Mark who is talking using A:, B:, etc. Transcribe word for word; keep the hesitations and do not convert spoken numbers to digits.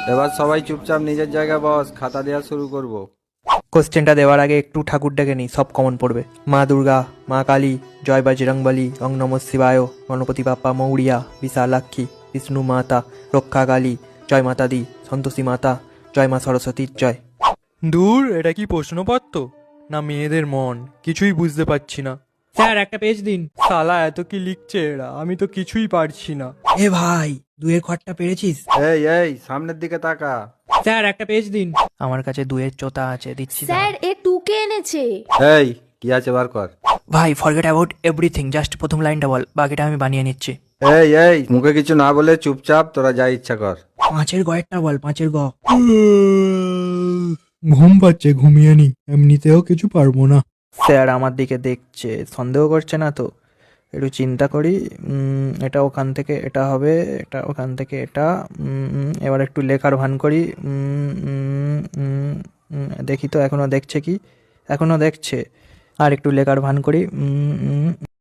A: এবার সবাই চুপচাপ নিজের জায়গায় বস, খাতা দেওয়া শুরু করব।
B: কোশ্চেনটা দেওয়ার আগে একটু ঠাকুর ডেকে নিই, সব কমন পড়বে। মা দুর্গা, মা কালী, জয় বজরংবলী, ওং নমঃ শিবায়, গণপতি বাপ্পা মৌরিয়া, বিশালাক্ষী, বিষ্ণু মাতা, রক্ষা কালী, জয় মাতা দি, সন্তোষী মাতা, জয় মা সরস্বতীর জয়। দূর, এটা কি প্রশ্নপত্র না মেয়েদের মন? কিছুই বুঝতে পারছি না।
C: স্যার একটা পেজ দিন।
B: শালা এত কি লিখছে এরা, আমি তো কিছুই পারছি না।
C: এ ভাই, দুয়ের ঘরটা পেরেছিস?
A: এই এই সামনের দিকে তাকা।
C: স্যার একটা পেজ দিন।
B: আমার কাছে দুয়ের চোতা আছে, দিচ্ছি।
D: স্যার এ টুকে এনেছে।
A: এই কি আছে বার কর।
B: ভাই ফরগেট অ্যাবাউট এভরিথিং, জাস্ট প্রথম লাইনটা বল, বাকিটা আমি বানিয়ে নিচ্ছি।
A: এই এই মুখে কিছু না বলে চুপচাপ তোরা যা ইচ্ছা কর।
C: পাঁচের গয়েরটা বল, পাঁচের গ।
B: ঘুম পাচ্ছে, ঘুমিয়ে নি, এমনিতেও কিছু পারবো না। স্যার আমার দিকে দেখছে, সন্দেহ করছে না তো? একটু চিন্তা করি। উম, এটা ওখান থেকে এটা হবে, এটা ওখান থেকে এটা। উম, উম, এবার একটু লেখার ভান করি। উম, উম, উম, উম, দেখি তো এখনো দেখছে কি? এখনো দেখছে। আর একটু লেখার ভান করি। উম, উম,